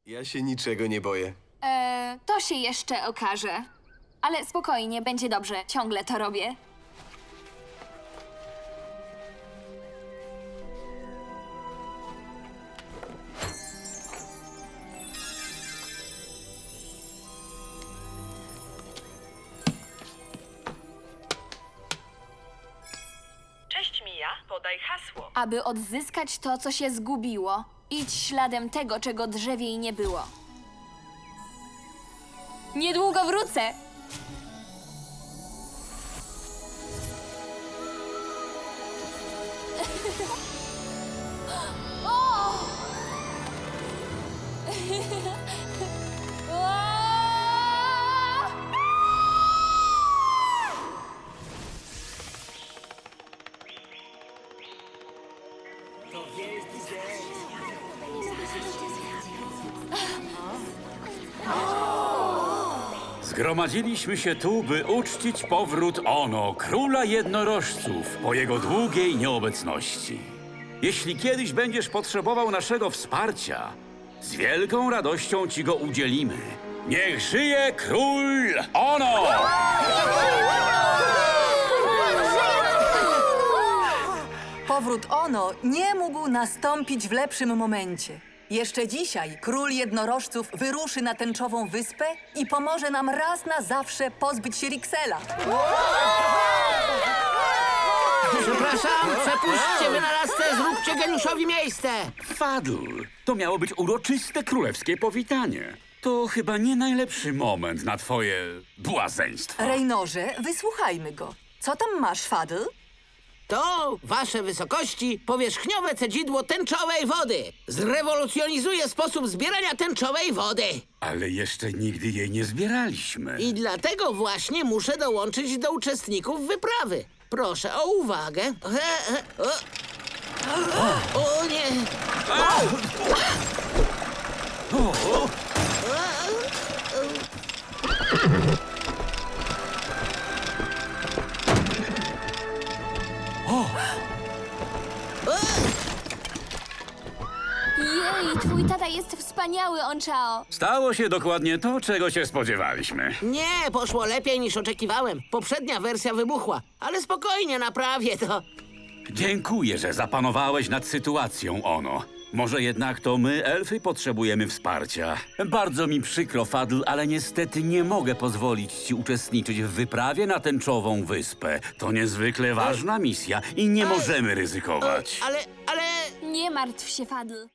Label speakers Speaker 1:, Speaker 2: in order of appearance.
Speaker 1: Ja się niczego nie boję.
Speaker 2: To się jeszcze okaże. Ale spokojnie, będzie dobrze. Ciągle to robię.
Speaker 3: Cześć Mija, podaj hasło.
Speaker 2: Aby odzyskać to, co się zgubiło, idź śladem tego, czego drzewiej nie było. Niedługo wrócę!
Speaker 4: Zgromadziliśmy się tu, by uczcić powrót Ono, króla jednorożców, po jego długiej nieobecności. Jeśli kiedyś będziesz potrzebował naszego wsparcia, z wielką radością ci go udzielimy. Niech żyje król Ono!
Speaker 5: Powrót Ono nie mógł nastąpić w lepszym momencie. Jeszcze dzisiaj król jednorożców wyruszy na tęczową wyspę i pomoże nam raz na zawsze pozbyć się Riksela.
Speaker 6: Przepraszam, przepuśćcie wynalazcę, zróbcie geniuszowi miejsce!
Speaker 4: Fadl, to miało być uroczyste królewskie powitanie. To chyba nie najlepszy moment na twoje błazeństwo.
Speaker 5: Reynorze, wysłuchajmy go. Co tam masz, Fadl?
Speaker 6: To, wasze wysokości, powierzchniowe cedzidło tęczowej wody. Zrewolucjonizuje sposób zbierania tęczowej wody.
Speaker 4: Ale jeszcze nigdy jej nie zbieraliśmy.
Speaker 6: I dlatego właśnie muszę dołączyć do uczestników wyprawy. Proszę o uwagę. O nie!
Speaker 2: Jej, twój tata jest wspaniały, Onchao.
Speaker 4: Stało się dokładnie to, czego się spodziewaliśmy.
Speaker 6: Nie, poszło lepiej niż oczekiwałem. Poprzednia wersja wybuchła, ale spokojnie, naprawię to.
Speaker 4: Dziękuję, że zapanowałeś nad sytuacją, Ono. Może jednak to my, elfy, potrzebujemy wsparcia. Bardzo mi przykro, Fadl, ale niestety nie mogę pozwolić ci uczestniczyć w wyprawie na tęczową wyspę. To niezwykle ważna misja i nie możemy ryzykować.
Speaker 6: Ale...
Speaker 2: Nie martw się, Fadl.